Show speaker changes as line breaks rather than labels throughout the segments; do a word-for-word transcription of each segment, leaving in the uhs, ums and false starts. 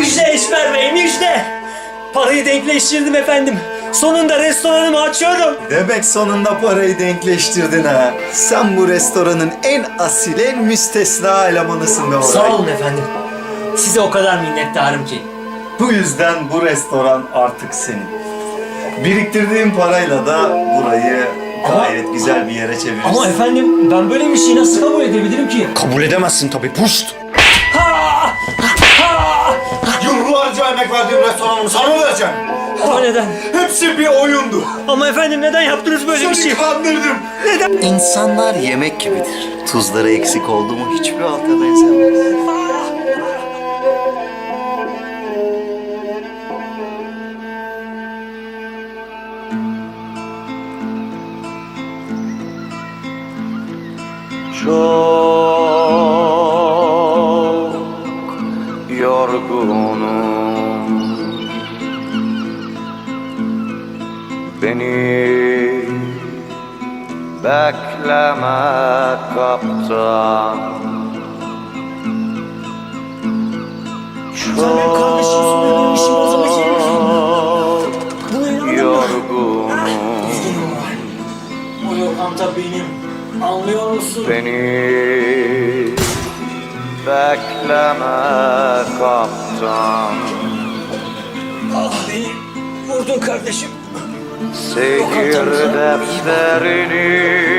Müjde Eşber Bey, müjde! Parayı denkleştirdim efendim. Sonunda restoranımı açıyorum.
Demek sonunda parayı denkleştirdin ha. Sen bu restoranın en asil, en müstesna elemanısın be Oray.
Sağ olun efendim. Size o kadar minnettarım ki.
Bu yüzden bu restoran artık senin. Biriktirdiğim parayla da burayı gayet güzel bir yere çevirirsin.
Ama efendim ben böyle bir şeyi nasıl kabul edebilirim ki?
Kabul edemezsin tabii, puşt!
Ha! Ha!
Yıllarca emek verdiğim restoranımı sana mı vereceğim?
Ama neden?
Hepsi bir oyundu.
Ama efendim neden yaptınız böyle bir şey?
kandırdım.
Neden?
İnsanlar yemek gibidir. Tuzları eksik oldu mu hiçbir halka benzemez.
Çok yorgunum, beni bekleme kaptan. Çok yorgunum,
Bu lokanta benim. Anlıyor musun?
beni bekleme kaptan.
Ah beni vurdun kardeşim.
Seyir defterini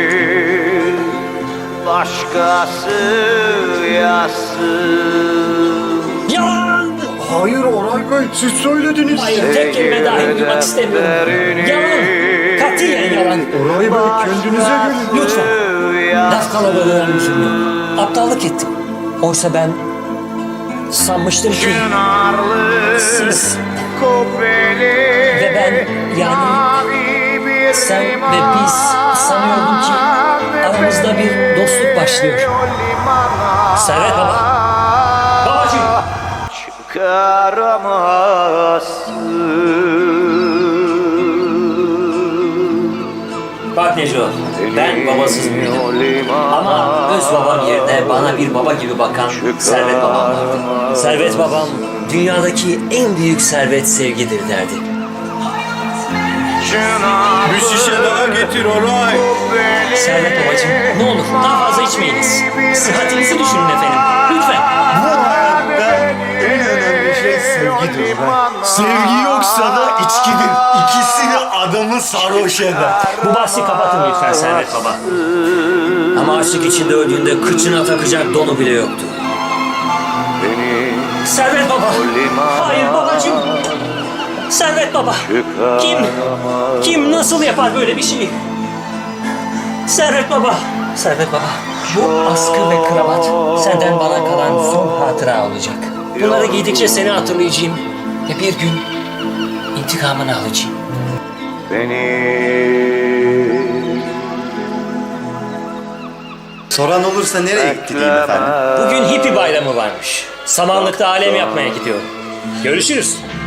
başkası yazsın.
Yalan!
Hayır Oray Bey, siz söylediniz.
Hayır, tek kelime dahi duymak istemiyorum. Yalan! Katiyen yalan.
Oray Bey, kendinize gelin.
Lütfen. Laf kalabalığına lüzum yok. Aptallık ettim. Oysa ben sanmıştım ki siz ve ben, yani sen ve biz sanıyordum ki aramızda bir dostluk başlıyor. Servet Baba. Babacığım.
Çıkaramazsın.
Bak Neco, ben babasız büyüdüm. Ama öz babam yerine bana bir baba gibi bakan Servet Babam vardı. Servet Babam, dünyadaki en büyük servet sevgidir derdi.
Bir şişe daha getir Oray.
Servet Babacığım, ne olur daha fazla içmeyiniz. Sıhhatinizi düşünün efendim, lütfen.
Bu hayatta en önemli şey sevgidir Oray. Sevgi yoksa da içkidir. İkisini adamı sarhoş eder.
Bu bahsi kapatın lütfen Servet Baba. Ama açlık içinde öldüğünde kıçına takacak donu bile yoktu. Servet Baba! Hayır babacığım! Servet Baba! Kim? Kim nasıl yapar böyle bir şeyi? Servet Baba! Servet Baba! Bu askı ve kravat senden bana kalan son hatıra olacak. Bunları giydikçe seni hatırlayacağım ve bir gün intikamını alacağım.
Beni
Soran olursa nereye gitti diyeyim efendim?
Bugün hippie bayramı varmış. Samanlıkta alem yapmaya gidiyorum. Görüşürüz.